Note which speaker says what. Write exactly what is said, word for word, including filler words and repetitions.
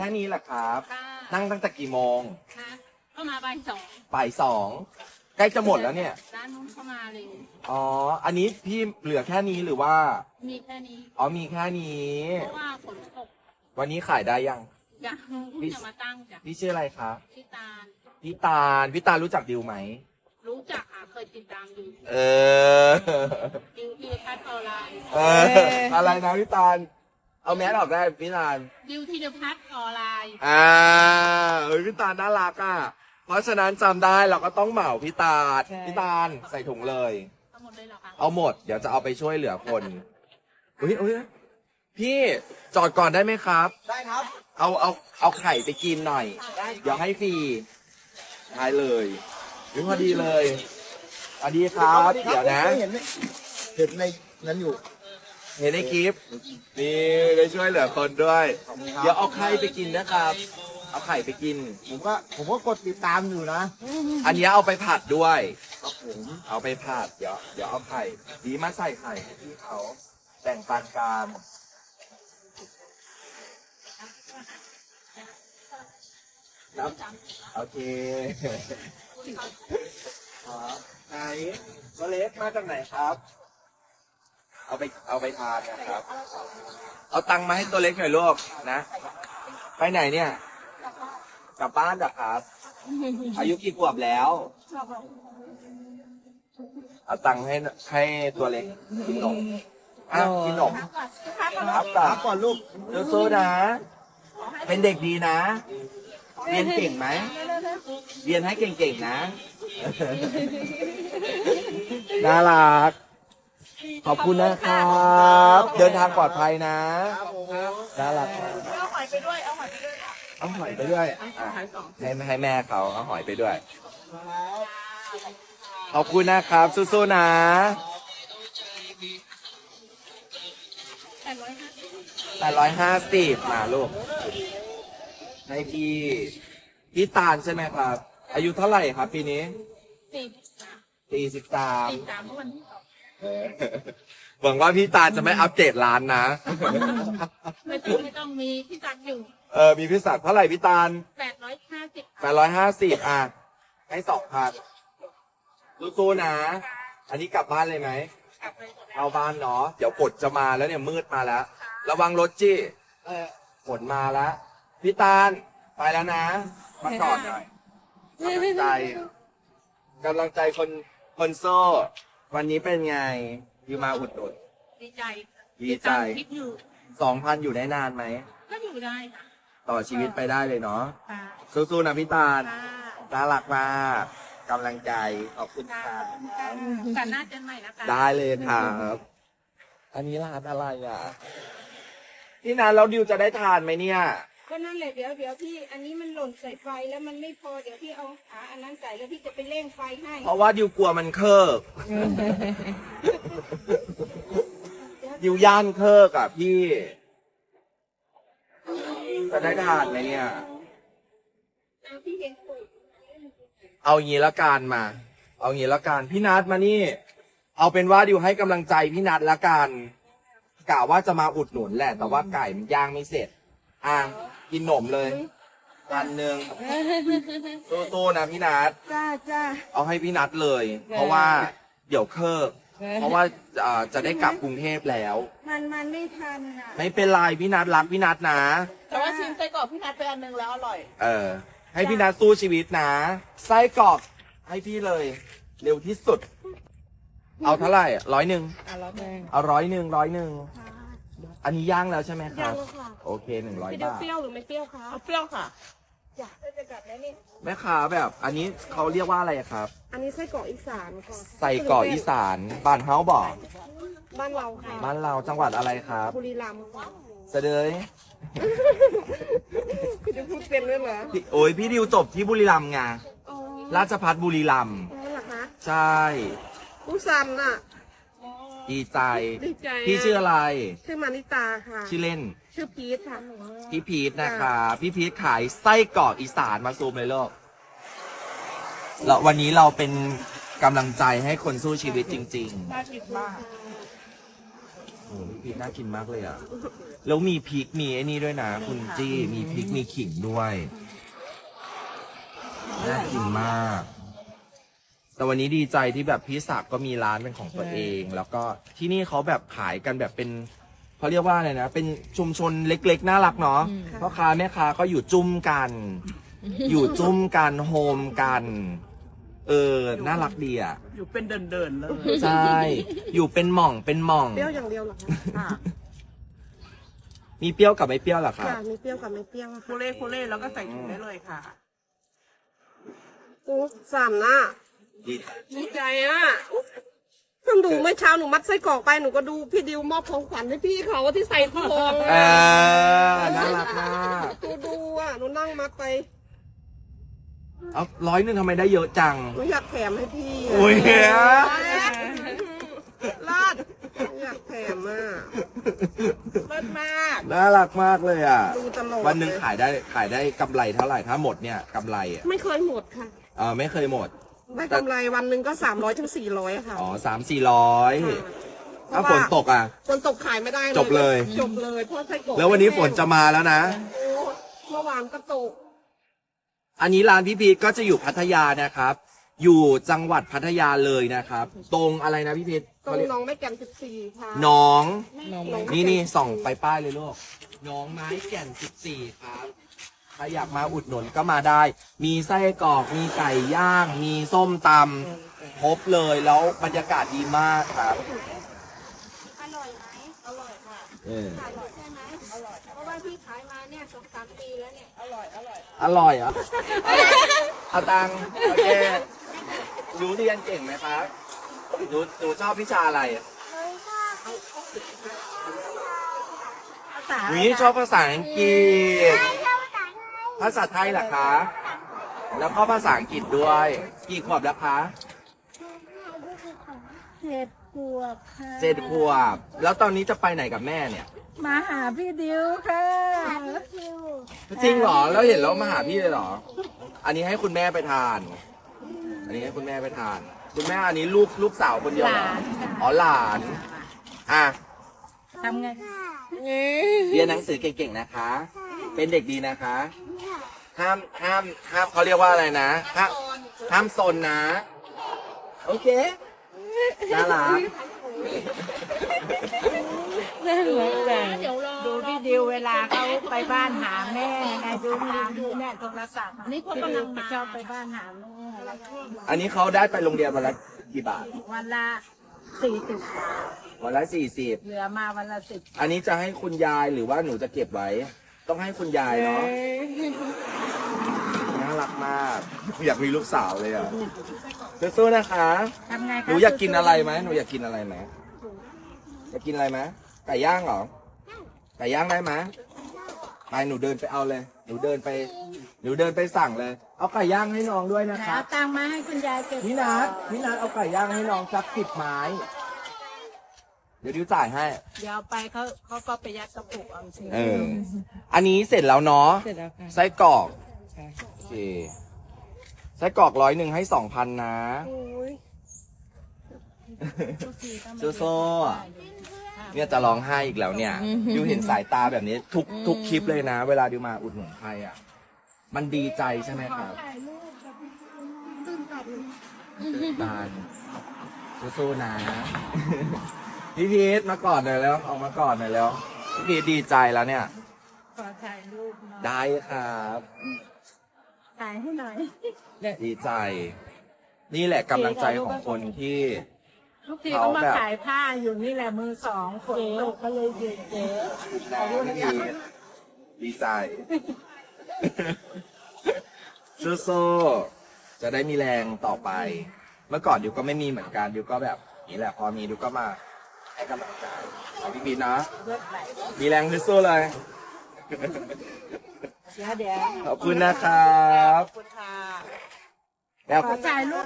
Speaker 1: แค่นี้แหละครับ
Speaker 2: ค่ะ
Speaker 1: นั่งตั้งแต่กี่โมง
Speaker 2: ค่ะเข้ามาบ่ายสอง
Speaker 1: บ่ายสองใกล้จะหมดแล้วเนี่ย
Speaker 2: ร้านนู้นเข้ามาเลย
Speaker 1: อ๋อ อันนี้พี่เหลือแค่นี้หรือว่า
Speaker 2: มีแค่นี้
Speaker 1: อ๋อมีแค่นี้
Speaker 2: เพราะว่าฝนตก
Speaker 1: วันนี้ขายได้ยัง
Speaker 2: อยากเพิ่งจะมาตั้งจ้ะ
Speaker 1: พี่ชื่ออะไรครับ
Speaker 2: ที่ตาล
Speaker 1: พี่ตาลพี่ตาลรู้จักดิวไหม
Speaker 2: รู้จักอ่ะเคยติดตามดู
Speaker 1: เออ
Speaker 2: ดิวที่พัฒน์ออนไลน์
Speaker 1: เออ อะไรนะพี่ตาล เอาแมสออกได้พี่ตาล
Speaker 2: ดิวที่เดพัฒน์ออนไลน์
Speaker 1: อ่าเฮ้ยพี่ตาลน่ารักอ่ะ เพราะฉะนั้นจำได้เราก็ต้องเหมาพี่ตาล พี่ตาลใส่ถุงเลย
Speaker 2: ทั้งหมดเลยเหรอคะ
Speaker 1: เอาหมด เดี๋ยวจะเอาไปช่วยเหลือคนอุ้ยอุ้ยพี่จอดก่อนได้ไหมครับ
Speaker 3: ได้ครับ
Speaker 1: เอาเอาเอาไข่ไปกินหน่อย เดี๋ยวให้ฟรีได้เลยหรือพอดีเลยสวัสดีครับ เดี๋ยวนะ
Speaker 3: เห็นไหมเห็นในนั้นอยู่
Speaker 1: เห็นในคลิป นี่ได้ช่วยเหลือคนด้วย เดี๋ยวเอาไข่ไปกินนะครับ เอาไข่ไปกิน
Speaker 3: ผมก็ผมก็กดติดตามอยู่นะ
Speaker 1: อันนี้เอาไปผัดด้วย
Speaker 3: ครับผม
Speaker 1: เอาไปผัด เดี๋ยวเดี๋ยวเอาไข่ดีมาใส่ไข่ให้พี่เขาแบ่งปันกันครับโอเคครับไหนตัวเล็กมาจากไหนครับ เอาไปเอาไปทานนะครับ เอาตังค์มาให้ตัวเล็กหน่อยลูกนะ ไปไหนเนี่ย กลับบ้านเหรอครับ อายุกี่ขวบแล้ว เอาตังค์ให้ให้ตัวเล็กกินนมอ่ะกินนมครับ
Speaker 3: ค
Speaker 1: ก่อ
Speaker 3: รับก่อนลูก
Speaker 1: นสู้ๆนะ เป็นเด็กดีนะ เรียนเก่งไหม เรียนให้เก่งๆนะ น่ารัก ขอบคุณนะครับ เดินทางปลอดภัยนะ
Speaker 3: ครับผม
Speaker 1: น่ารัก
Speaker 2: เอาหอยไปด้วย เอาหอยไปด้วย
Speaker 1: เอาหอยไปด้วยอ่ะให้ให้แม่เขาเอาหอยไปด้วย ขอบคุณนะครับ สู้ๆนะ
Speaker 2: แปดร้อยห้าสิบ
Speaker 1: แปดร้อยห้าสิบมาลูก ให้พี่ พี่ตาลใช่ไหมครับ อายุเท่าไหร่ครับปีนี้
Speaker 2: สี่
Speaker 1: สี่สิบสาม
Speaker 2: สี่สามเมื่อวันที่สอง
Speaker 1: หวังว่าพี่ตาลจะไม่อัปเดตร้านนะ
Speaker 2: ไม่ต้องไม่ต้องมีที่ตักอยู่
Speaker 1: เออ มีพี่ศักดิ์เท่าไหร่พี่ตาล
Speaker 2: แปดร้อยห้าสิบ
Speaker 1: แปดร้อยห้าสิบอ่ะ ให้สองพันสู้ๆนะ อันนี้กลับบ้านเลยไหม
Speaker 2: กลับไปก่อนนะ
Speaker 1: เอาบ้านเนาะ เดี๋ยวฝนจะมาแล้วเนี่ยมืดมาแล้ว ระวังรถจี้
Speaker 3: เออ
Speaker 1: ฝนมาแล้ว พี่ตาล ไปแล้วนะ มากอดหน่อยกำลังใจกำลังใจคนคนโซ่ วันนี้เป็นไงอยู่มาอุดหนุน
Speaker 2: ดีใจ
Speaker 1: ดีใจ
Speaker 2: ตามคลิปอยู่
Speaker 1: สองพันอยู่ได้นานไหม
Speaker 2: ก็อยู่ได้ค่ะ
Speaker 1: ต่อชีวิตไปได้เลยเนาะ
Speaker 2: ค่ะ
Speaker 1: สู้ๆนะพี่ตาล
Speaker 2: ค่ะ
Speaker 1: น่ารักมากกำลังใจ ขอบคุณ
Speaker 2: ค่ะ
Speaker 1: ครับ
Speaker 2: กันหน้าเจนใหม่นะคะ
Speaker 1: ได้เลยครับ อันนี้ร้านอะไรอ่ะ พี่นันแล้วดิวจะได้ทานไหมเนี่ย
Speaker 4: ก็นั่นแหละเดี๋ยวเดี๋ยวพี่อันนี้มันหล่นใส่ไฟแล้วมันไม่พอเดี๋ยวพี่เอาขาอันนั้นใส่แล้วพี่จะไปเร่งไฟให้
Speaker 1: เพราะว่าดิวกลัวมันเคิกดิวย่านเคิกอ่ะพี่ จะได้ทานไหมเนี่ย
Speaker 4: เอาพี่เห็นปุ๋ย
Speaker 1: เอางี้ละกันมา เอางี้ละกันพี่นัทมานี่ เอาเป็นว่าดิวให้กำลังใจพี่นัทละกันกะว่าจะมาอุดหนุนแหละ แต่ว่าไก่มันย่างไม่เสร็จ อ่ะกินหนมเลยอันหนึ่งสู้ๆนะพี่นัท
Speaker 4: จ้าจ้า
Speaker 1: เอาให้พี่นัทเลย เพราะว่าเดี๋ยวเคิกเพราะว่าเอ่อจะได้กลับกรุงเทพแล้ว
Speaker 4: มันมันไม่ทันอ่ะ
Speaker 1: ไม่เป็นไรพี่นัทรักพี่นัทนะ
Speaker 2: แต่ว่าชิมไส้กรอกพี่นัทไปอันหนึงแล้วอร่อย
Speaker 1: เออ ให้พี่นัทสู้ชีวิตนะ ไส้กรอกให้พี่เลย เร็วที่สุด เอาเท่าไหร่ร้อยหนึ่ง
Speaker 4: อ่ะแล้วแม่
Speaker 1: เอาร้อยหนึ่งร้อยหนึ่งอันนี้ย่างแล้วใช่ไหมค
Speaker 4: ยั
Speaker 1: รั
Speaker 4: ง
Speaker 1: บ
Speaker 4: แล้วค่ะ
Speaker 1: โอเคหนึ่งร้อย
Speaker 4: พี่เดียว
Speaker 1: บาท
Speaker 4: เปรี้ยวหรือไม่เปรี้ยวคะ
Speaker 2: เอาเปรี้ยวค่ะ
Speaker 4: จ้ะจะกลับแล้วนี่
Speaker 1: แม่ค้าแบบ อันนี้เขาเรียกว่าอะไรครับ
Speaker 4: อันนี้ไส้กรอกอีสานค่ะ
Speaker 1: ใส่กรอกอีสานบ้านเฮาบอก
Speaker 4: บ้านเราค่ะ
Speaker 1: บ้านเราจังหวัดอะไรครับ
Speaker 4: บุรีรัมย์ค่ะ
Speaker 1: เสดย
Speaker 4: คุณจะพูดเป็นด้วยเหรอ
Speaker 1: พี่โอ้ยพี่ดิวจบที่บุรีรัมย์ไง
Speaker 4: อ๋อ
Speaker 1: ราชพัฒบุรีรัมย์
Speaker 4: อ๋อเหรอคะ
Speaker 1: ใช่
Speaker 4: ผู้ซันน่ะ
Speaker 1: ดีใจ
Speaker 4: ดีใจ
Speaker 1: พี่ชื่ออะไร
Speaker 4: ชื่อมานิตาค่ะ
Speaker 1: ชื่อเล่น
Speaker 4: ชื่อพีทค่ะ
Speaker 1: พี่พีทนะคะพี่พีทขายไส้กรอกอีสานมาซูมเลยลูกแล้ววันนี้เราเป็นกำลังใจให้คนสู้ชีวิตจริง
Speaker 2: น่ากินมาก
Speaker 1: ๆโอ้พี่พีชน่ากินมากเลยอ่ะ แล้วมีพริกมีไอ้นี่ด้วยนะ คุณจี้มีพริกมีขิงด้วย น่ากินมาก แต่วันนี้ดีใจที่แบบพี่ศักดิ์ก็มีร้านเป็นของตัวเอง แล้วก็ที่นี่เขาแบบขายกันแบบเป็นเขาเรียกว่าอะไรนะ เป็นชุมชนเล็กๆน่ารักเนาะพ่อค้าแม่ค้าก็อยู่จุ้มกัน อยู่จุ้มกันโฮมกัน เออ น่ารักดีอ่ะ
Speaker 2: อยู่เป็นเดินเดินๆเลย
Speaker 1: ใช่ อยู่เป็นหม่องเป็นหม่อง
Speaker 5: เปรี้ยวอย่างเดียวเหรอคะ
Speaker 2: ค่ะ
Speaker 1: มีเปรี้ยวกับไม่เปรี้ยวเหรอครับ
Speaker 5: ค่ะมีเปรี้ยวกับไม่เปรี้ยวอะ
Speaker 2: คู
Speaker 5: ค่ะ
Speaker 2: เล่คูเล่แล้วก็ใส่ถุงได้เลยค่ะ
Speaker 5: โอ้สามหน้า
Speaker 1: ดี
Speaker 5: ดีใจอ่ะเพิ่งดูเมื่อเช้าหนูมัดไส้กรอกไปหนูก็ดูพี่ดิวมอบของขวัญให้พี่เขาที่ใส่ทอง
Speaker 1: เอ
Speaker 5: อะ
Speaker 1: อน่ารักมาก
Speaker 5: หนูดูอ่ะหนูนั่งมัดไป
Speaker 1: เอาร้อยหนึ่งทำไมได้เยอะจัง
Speaker 5: หนูอยากแถมให้พี่ะ
Speaker 1: โอ้ยเหี้ย
Speaker 5: ลาดอยากแถมอ่ะ
Speaker 2: เลิศมาก
Speaker 1: น่ารักมากเลยอ่ะ
Speaker 5: ดูตลอด
Speaker 1: วันหนึ่ง
Speaker 5: เลย
Speaker 1: ขายได้ขายได้กำไรเท่าไหร่ถ้าหมดเนี่ยกำไรอ่ะ
Speaker 5: ไม่เคยหมดค่ะ
Speaker 1: เออไม่เคยหมด
Speaker 5: ได้กำไรวันหนึ่งก็สามร้อยถึงสี่ร้อยค่ะ
Speaker 1: อ๋อสามสี่ร้อย
Speaker 5: ค่ะ
Speaker 1: ถ้าฝนตกอ่ะ
Speaker 5: ฝนตกขายไม่ได้
Speaker 1: จบเลย
Speaker 5: จบเลยเพราะไส้กรอก
Speaker 1: แล้ววันนี้ฝนจะมาแล้วนะ
Speaker 5: โอ้เมื่อวานก็ตก
Speaker 1: อันนี้ร้านพี่พีทก็จะอยู่พัทยานะครับ อยู่จังหวัดพัทยาเลยนะครับ ตรงอะไรนะพี่พีท
Speaker 5: ตรงหน้องไม่แก่นสิบสี่ค่ะ
Speaker 1: หน้อง
Speaker 5: หนอง
Speaker 1: นี่นี่ส่องไปป้ายเลยลูกหน้องไม้แก่นสิบสี่ครับใครอยากมาอุดหนุนก็มาได้ มีไส้กรอก มีไก่ย่าง มีส้มตำครบเลยแล้วบรรยากาศดีมากครับ
Speaker 4: อร่อยไหมอร่อยค่ะ
Speaker 1: เออ
Speaker 4: อร่อยใช่ไหมอร่อยเพราะว่าพี่ขายมาเนี่ยสองสามปีแล้วเนี่ยอร่อยอร่อย
Speaker 1: อร่อยเหรอ่ะ เอาตังค์โอเคหนูเรียนเก่งไหมครับหนูหนูชอบวิชาอะไรหนูนี่ชอบภาษาอังกฤษ ภาษาไทยเหรอคะ แล้วก็ภาษาอังกฤษด้วย กี่ขวบแล้วคะ
Speaker 6: เจ็ดขวบค่ะ
Speaker 1: เจ็ดขวบ แล้วตอนนี้จะไปไหนกับแม่เนี่ย
Speaker 6: มาหาพี่ดิวค่ะ
Speaker 1: จริงเหรอ แล้วเห็นแล้วมาหาพี่เลยเหรอ อันนี้ให้คุณแม่ไปทาน อันนี้ให้คุณแม่ไปทาน คุณแม่อันนี้ลูกลูกสาวคนเดียวเหรออ๋อหลาน อ่ะ
Speaker 6: ทำไง
Speaker 1: เรียนหนังสือเก่งๆนะคะ เป็นเด็กดีนะคะ ห้ามห้ามห้ามเขาเรียกว่าอะไรนะ ห้ามห้ามซนนะ โอเค น่ารัก
Speaker 6: น่ารักจัง
Speaker 2: เดี๋ยวรอ
Speaker 6: ดูพี่ดิวเวลาเขาไปบ้านหาแม่ไงดูมีดูเนี่ยโทรศัพท์
Speaker 2: นี่เขากำลังมา
Speaker 6: ชอบไปบ้านหาแม่
Speaker 1: อันนี้เขาได้ไปโรงเรียนวันละกี่บาท
Speaker 6: วันละสี่สิบ
Speaker 1: วันละสี่สิบ
Speaker 6: เหลือมาวันละสิบ
Speaker 1: อันนี้จะให้คุณยายหรือว่าหนูจะเก็บไว้ ต้องให้คุณยายเนาะ น่ารักมาก อยากมีลูกสาวเลยอ่ะสู้ๆนะคะ
Speaker 6: ทำไง
Speaker 1: ห
Speaker 6: คะ
Speaker 1: นูอยากกินอะไรไหมหนูอยากกินอะไรไหมอยากกินอะไรไหมไก่ย่างเหรอ ไก่ย่างได้ไหมไปหนูเดินไปเอาเลย หนูเดินไป หนูเดินไปสั่งเลย เอาไก่ย่างให้น้องด้วยนะ
Speaker 6: ไหน
Speaker 1: ครับ
Speaker 6: เอาตังค์มาให้คุณยายเก็บ
Speaker 1: พี่นัทพี่นัทเอาไก่ย่างให้น้องสักสิบไม้ เดี๋ยวดิวจ่ายให้
Speaker 6: เดี๋ยวเอาไปเขาเขาก็ไปยัดกระปุกเอาสิ
Speaker 1: เออ อันนี้เสร็จแล้วเนาะ
Speaker 6: เสร็จแล้วค่ะ
Speaker 1: ไส้กรอกโอเคไส้กรอกร้อยหนึ่งให้สองพันนะ
Speaker 5: โอ้ย
Speaker 1: โซ่เนี่ยจะร้องไห้อีกแล้วเนี่ยดิวเห็นสายตาแบบนี้ ทุกทุกคลิปเลยนะ เวลาดิวมาอุดหนุนใครอ่ะ มันดีใจใช่ไหมครับตื่นตันสู้ๆนะ พี่พีทมาก่อนหน่อยแล้วออกมาก่อนหน่อยแล้วพี่พีทดีใจแล้วเนี่ย
Speaker 6: ขอถ่ายรูปหน่อย
Speaker 1: ได้ครับ
Speaker 6: ถ่ายให้หน่อย
Speaker 1: ดีใจ นี่แหละกำลังใจของคนที่
Speaker 6: ทุกทีก็มาขายผ้าอยู่นี่แหละมือสองฝนตกก็เลยหยุดเจ๊
Speaker 1: นะพี่พีทดีใจ สู้ๆจะได้มีแรงต่อไป เมื่อก่อนดิวก็ไม่มีเหมือนกันดิวก็แบบนี่แหละพอมีดิวก็มาให้กำลังใจเอาพี่พีทนะ มีแรงสู้ๆเลย
Speaker 6: เดี๋ยวเดี๋ยว
Speaker 1: ขอบคุณนะครับ
Speaker 2: ขอบคุณค่ะ
Speaker 1: แล้ว
Speaker 6: ขอถ่ายรูป